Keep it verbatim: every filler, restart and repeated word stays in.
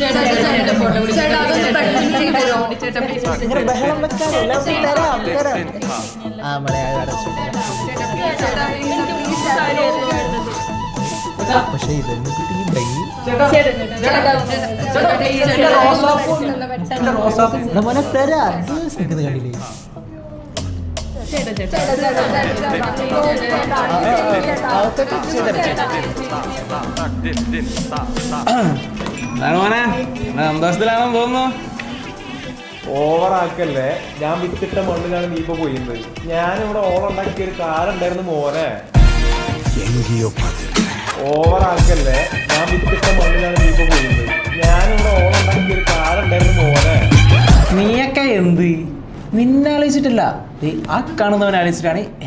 ബഹളം വെക്കാനല്ല തരാം തരാം ആ മലയാളം പക്ഷെ ഇതൊന്നും കിട്ടിയിട്ടുണ്ടെങ്കിൽ മോനെ തരാ നിൽക്കുന്നത് കണ്ടില്ലേ മോനെ സന്തോഷത്തിലാണെന്ന് തോന്നുന്നു. ഓവറാക്കല്ലേ, ഞാൻ വിത്തിട്ട മണ്ണിലാണ് നീ ഇപ്പൊ പോയിരുന്നത്. ഞാനിവിടെ ഓളുണ്ടാക്കിയ ഒരു കാലം ഉണ്ടായിരുന്നു മോനെ. ഓവറാക്കല്ലേ, ഞാൻ വിത്തിട്ട മണ്ണിലാണ് നീ ഇപ്പൊ പോയിരുന്നത്. ഞാനിവിടെ ഓളുണ്ടാക്കിയ ഒരു കാലം ഉണ്ടായിരുന്നു മോനെ. നീയൊക്കെ എന്ത് നിന്നെ ആലോചിച്ചിട്ടില്ല, ആ കാണുന്നവനെ ആലോചിച്ചിട്ടാണ്